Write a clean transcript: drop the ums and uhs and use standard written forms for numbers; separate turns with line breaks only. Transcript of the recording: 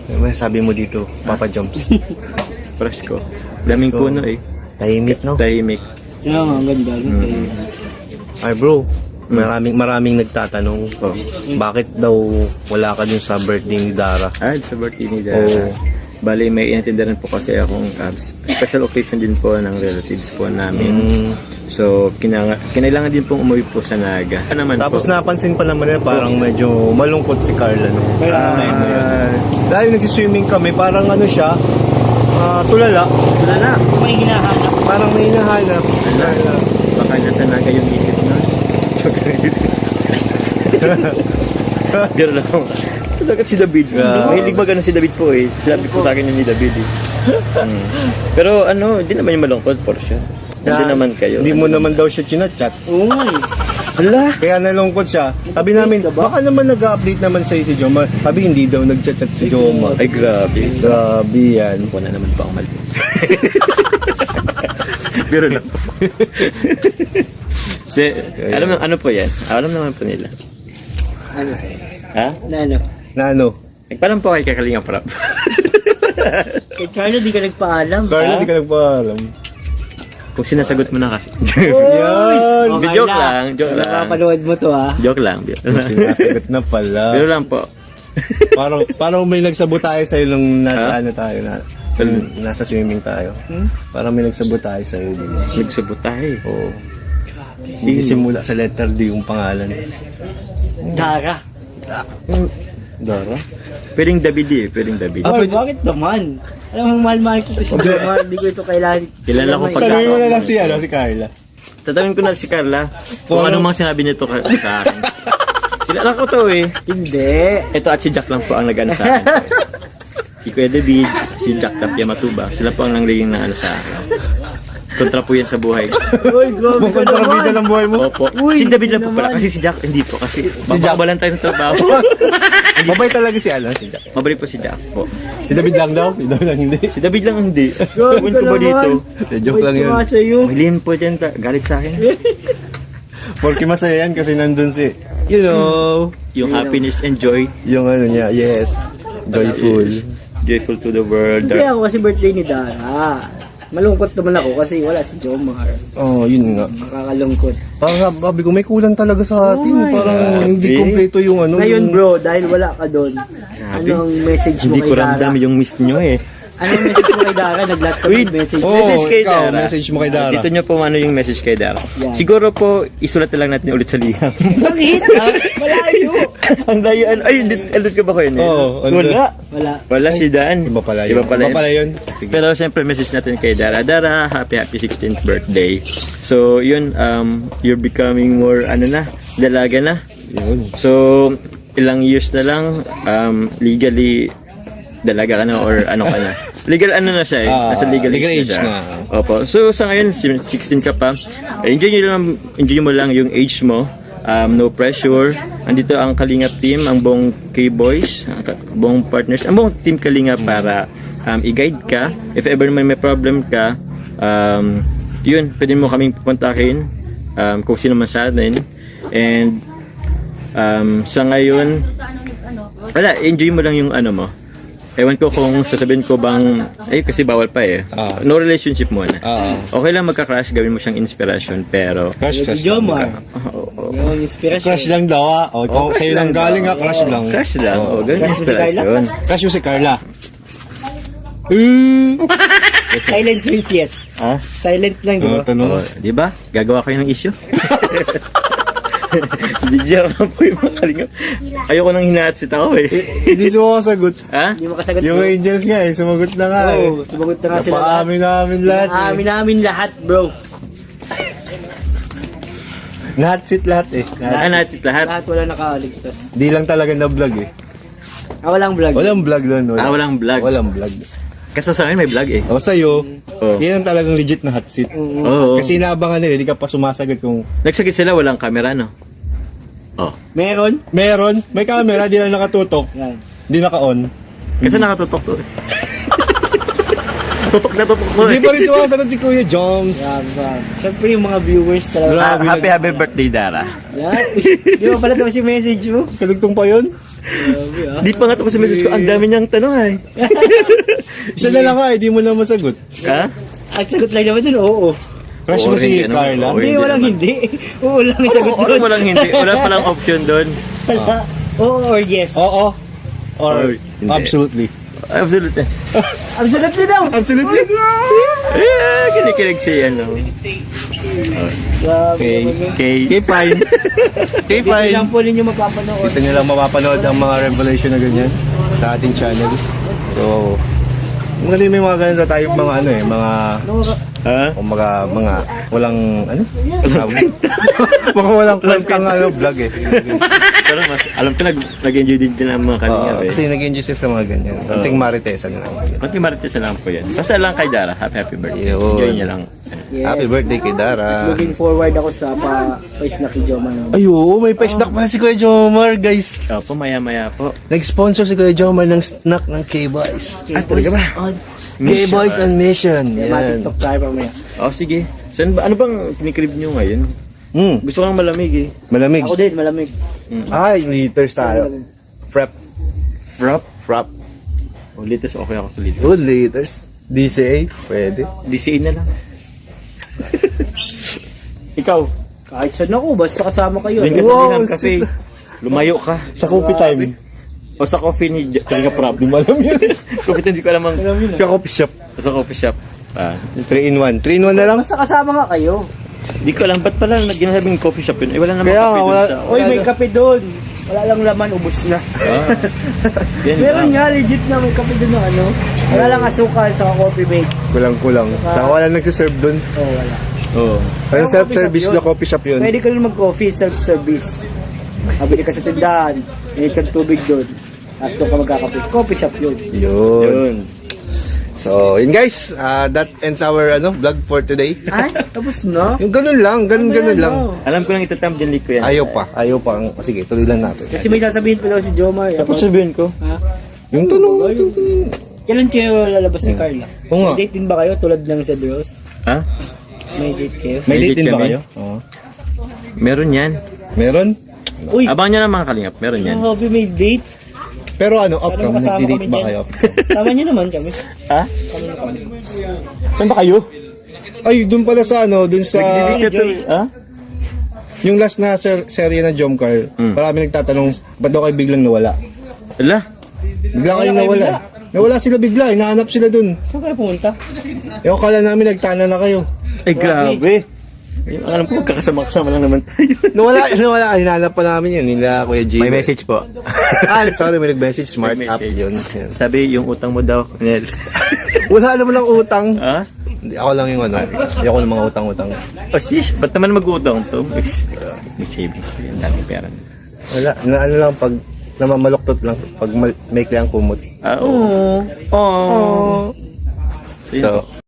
Ano sabi mo dito, Papa Joms?
Presko. Daming
Presko.
puno eh.
Tahimik, no?
Tahimik.
Kaya nga, ang ganda.
Ay bro, maraming nagtatanong.
Oh.
Bakit daw wala ka dun sa birthday ni Dara?
Sa birthday ni Dara.
Oo.
Bali, may inattendan po kasi akong special occasion din po ng relatives po namin. So, kinailangan din pong umuwi po sa Naga. Naman
Tapos
po,
napansin pa naman na parang medyo malungkot si Carla, no? Time na yun. Dahil nagsiswimming kami, parang ano siya, tulala.
Wala na. May hinahanap.
Parang may hinahanap.
baka nasa Naga yung isip na. Pero lang. Talaga si David. Mahilig magano si David po eh. Sabi po sa akin yun ni David eh. Pero ano, hindi naman yung malungkot for sure. Hindi naman kayo.
Hindi mo naman daw siya chinachat.
Uy.
Hala!
Kaya nalungkot siya. Sabi namin, baka naman nag-update naman sa'yo si Joma. Sabi hindi daw nag-chat si Joma.
Ay grabe.
Grabe yan.
Ako na naman pa ang mali. Pero lang. Alam ano po yan? Alam naman po nila.
Ano?
Ha?
Ano?
Na ano?
Nagpalam po kay Kakalinga Prap.
Kay Carlo, di ka nagpaalam.
Carla, di ka nagpaalam.
Kung sinasagot mo na kasi.
Yan!
Okay
Joke
na.
lang, joke lang.
Nakapanood mo to ha.
Joke lang.
Sinasagot na pala.
Pero lang po.
Parang may nagsabot tayo sa'yo nung nasa
Ha?
ano tayo na. Nasa swimming tayo. Parang may nagsabot tayo sa'yo din.
Nagsubot tayo.
Oo. Hindi simula sa letter D yung pangalan.
Dara.
Dara?
Pwedeng David eh. Pwedeng David.
Boy, bakit naman? Alam mo, mahal-mahal ko si Joma. Hindi ko ito kailangan.
Kilala ko pag-
Tanungin mo na lang si Carla.
Tatawin ko na si Carla. Kung ano mang sinabi nito sa akin. Kilala ko to eh.
Hindi.
Ito at si Jack lang po ang nag-ano sa akin. Si Kuya David, si Jack Tapia Matuba. Sila po ang nangliging na ano sa akin. Kontra po yan sa buhay.
Uy, grabe ka
Kontrabida
naman.
ng buhay mo.
Opo.
Uy,
Si David lang po
naman.
pala. Kasi si Jack, hindi po. Kasi
Jack.
babawalan tayo ng trabaho.
Mabay talaga si si Jack.
Mabalik po si Jack po.
Si David lang daw? Si David lang hindi.
Si David lang hindi.
Grabe
Ewan
ka
ko ba
naman.
dito?
Joke lang yun.
Wait, sa'yo.
May lihim po dyan. Galit sa akin.
Porque masaya yan kasi nandun si, you know,
Yung happiness and joy.
yung ano niya, yes, joyful.
Joyful to the world.
Kasi ako kasi birthday ni Dara. Malungkot naman ako kasi wala si Jomar.
Oh, yun nga.
Nakakalungkot.
Parang sabi ko, may kulang talaga sa atin.
Oh my
Parang
God.
hindi kompleto yung ano.
Ngayon
yung-
bro, dahil wala ka doon, anong message mo
Hindi
kay
ko
Dara?
ramdam yung miss nyo eh.
Anong message mo kay Dara? Nag-lot ka
Wait.
ng message.
Oh,
Message kay
ikaw,
Dara.
message mo kay Dara.
Dito nyo po ano yung message kay Dara.
Yan.
Siguro po, isulat na lang natin ulit sa liham.
Bakit? Malayo.
Ang layo. Ay, alert ka ba ko yun?
Oo, ano
Wala.
Wala.
Wala si Dan.
Iba pala yun.
Iba pala yun.
Sige.
Pero siyempre message natin kay Dara. Dara, happy 16th birthday. So, yun, you're becoming more, dalaga na.
Yun.
So, ilang years na lang, legally, dalaga ka na or ano ka na. Legal ano na siya eh. Nasa legal age
age
na siya.
na.
Opo. So, sa ngayon, 16 ka pa. Enjoy mo lang yung age mo. No pressure. Andito ang Kalinga team, ang buong K-Boys, ang buong partners, ang buong team Kalinga para i-guide ka. If ever may problem ka, yun, pwede mo kaming kontakin kung sino man sa atin. And sa ngayon, wala, enjoy mo lang yung ano mo. Ewan ko kung sasabihin ko bang, kasi bawal pa eh. No relationship muna. Okay lang magka-crush, gawin mo siyang inspiration, pero
Crush,
Si
crush.
Jomar. Yung inspiration.
Crush lang daw O, ikaw,
crush
sa'yo lang
lang
galing
daw.
crush lang.
crush lang. Gawin
Crush mo si Carla?
inspiration.
Crush mo si Carla.
Silence means yes.
Ha?
Silent lang, di ba?
Tanong.
Di ba? Gagawa kayo ng issue. Hindi lang po yung mga kalingap. Ayoko nang hinahatsit ako eh.
Hindi sumasagot.
Ha?
Hindi makasagot
Yung
bro.
angels nga sumagot na nga
Oo, sumagot na nga sila.
Napaamin namin lahat
Naamin namin lahat, bro.
Nahatsit lahat
Hinahatsit lahat.
Lahat wala nakaligtas.
Di lang talaga na vlog
Walang vlog.
Walang vlog doon.
Walang vlog.
Walang vlog.
Kaso sa akin may vlog eh.
O sa'yo,
Oh.
yan ang talagang legit na hot seat.
Oo.
Kasi inaabangan nila, hindi ka pa sumasagot kung
Nagsakit sila, walang camera, no? Oh.
Meron?
meron, may camera, di lang nakatutok,
Yan.
di naka-on.
Kasi nakatutok to. Tutok na tutok mo
Hindi pa rin sumasagot si Kuya Joms.
Yan. Siyempre yung mga viewers talaga.
Happy birthday, Dara.
Yan. Di ba pala daw si message mo?
Kadugtong pa yun?
Di pa nga tapos sa message ko, ang dami niyang tanong ay.
Isa na lang ka, hindi mo na masagot.
Ha?
Ang sagot lang naman dun, oo.
Crush
Oo,
mo si
hindi, ano,
Carla?
oo,
Hindi, walang
naman.
hindi. Oo lang ang sagot
Ano
dun.
mo lang hindi? Wala palang option doon.
Wala. Oo or yes.
Oo. Or
Or hindi.
absolutely.
Absolutely.
Absolutely daw.
Absolutely.
Kinikilig si ano.
Grabe
Okay.
naman yun.
Okay.
Okay, fine. Okay,
Hindi
fine.
lang po ninyo mapapanood.
Dito nyo lang mapapanood ang mga revelation na ganyan sa ating channel. So, maganda may mga ganun na tayong mga ano eh, mga
Ha?
o mga walang ano? Mga walang kwentang ano vlog eh.
Pero mas, alam ko nag-enjoy din ang mga kalinga eh.
Kasi nag-enjoy sila sa mga ganyan. Konting maritesan lang.
Konti marites na lang po yan. Basta lang kay Dara, happy birthday.
Yun.
Enjoy niya lang.
Yes.
Happy birthday kay Dara.
Looking forward ako sa pa-snack ni Joma.
Ay, oo, may pa-snack pala si Kuya Jomar, guys.
Opo, maya-maya po.
Nag-sponsor si Kuya Jomar ng snack ng K-Boys.
Talaga ba?
K-Boys on Mission.
Yan.
Yan.
TikTok tayo mamaya.
Oh, sige. Saan ba, ano bang kinikrib nyo ngayon? Gusto ko lang malamig eh.
Malamig.
Ako din, malamig.
Ay, liters tayo. Frap.
Frap?
Frap.
Oh, litos okay ako sa litos.
Good liters. DCA, pwede.
DCA na lang. Ikaw,
Kahit saan ako, basta kasama kayo.
din ka sa
Wow,
Dinam Cafe.
sweet.
Lumayo ka.
Sa coffee time.
O sa coffee ni Talaga Prab.
Di mo alam yun.
Coffee time, hindi ko alam ang...
Sa coffee shop.
Sa coffee shop.
3-in-1. 3-in-1 na lang.
Basta kasama nga kayo.
Hindi ko alam, ba't pala ginasabing coffee shop yun? Eh, wala namang
Kaya
kape
nga,
dun
wala-
sa...
Uy, may kape doon. Wala lang laman, ubos na.
Yan,
Meron nga, legit na may kape doon na ano. Wala lang asukal sa coffee mate.
Kulang-kulang. Saka wala nagsiserve dun.
Oh, wala.
Oo.
Ano
Pero
self-service
coffee shop
na
yun.
coffee shop yun?
Pwede ka lang mag-coffee, self-service. Mabili ka sa tindahan, init kang tubig doon. Tapos doon ka magkakape. Coffee shop yun.
Yun.
Yun.
So, yun guys. That ends our vlog for today.
Ay, tapos na.
Yung ganun lang. Ganun lang.
Alam ko lang itatamp dyan, ko yan.
Ayaw pa. Sige, tuloy lang natin.
Kasi may sasabihin pa daw si Jomar.
Tapos sabihin ko.
Ha?
Yung tanong.
Kailan kayo lalabas ni Carla?
Oo nga.
May date din ba kayo tulad ng sa Dross?
Ha?
May date kayo?
May date din ba
kami.
kayo? Oo.
Meron yan.
Meron?
Uy,
Abangan nyo na mga kalingap. Meron yan.
ang hobby may date.
Pero off
Parang
cam.
kasama
Nagdi-date
kami
ba
dyan.
kayo?
Sama niyo naman kami.
Ha?
Kami na kami.
Saan ba kayo?
Ay, dun pala sa dun sa...
Ha?
Yung last na serye na Jomcar, marami nagtatanong, ba't daw kayo biglang nawala?
Ala?
Bigla kayong
kayo
nawala. Nawala sila bigla, hinahanap sila dun.
Saan kayo pumunta?
Eh, akala namin nagtana na kayo.
Eh, grabe. Yung alam ko, magkakasama-kasama lang naman tayo.
Nawala, hinahanap pa namin yun, nila Kuya G.
May message po.
Sorry, may nag-message, smart
May
app
message.
yun.
Sabi, yung utang mo daw, Nel.
Wala naman lang utang.
Ha?
Hindi, ako lang yung ayoko ng mga utang-utang.
Oh, sis, ba't naman mag-utang to? May savings. Ang daming pera.
Wala, ano lang, pag namamaloktot lang, pag maikli ang kumot.
Ah, oo. Oh.
So,